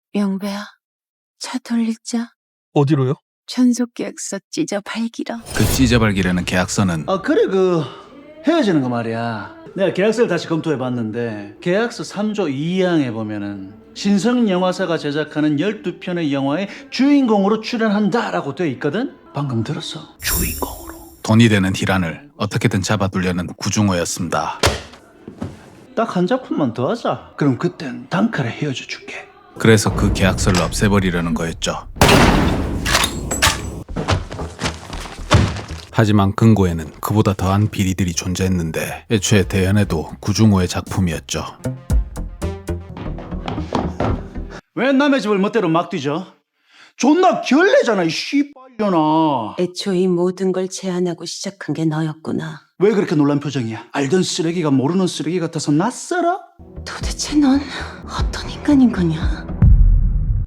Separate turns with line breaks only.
영배야, 차 돌리자.
어디로요?
전속계약서 찢어 발기라.
그 찢어발기라는 계약서는
그래 헤어지는 거 말이야. 내가 계약서를 다시 검토해봤는데 계약서 3조 2항에 보면은 신성영화사가 제작하는 12편의 영화의 주인공으로 출연한다라고 돼 있거든? 방금 들었어? 주인공으로.
돈이 되는 희란을 어떻게든 잡아두려는 구중호였습니다.
딱 한 작품만 더 하자. 그럼 그땐 단칼에 헤어져 줄게.
그래서 그 계약서를 없애버리려는 거였죠. 하지만 금고에는 그보다 더한 비리들이 존재했는데 애초에 대연에도 구중호의 작품이었죠.
왜 남의 집을 멋대로 막 뒤져? 존나 결례잖아 이 씨발려나.
애초 이 모든 걸 제안하고 시작한 게 너였구나.
왜 그렇게 놀란 표정이야? 알던 쓰레기가 모르는 쓰레기 같아서 낯설어?
도대체 넌 어떤 인간인 거냐?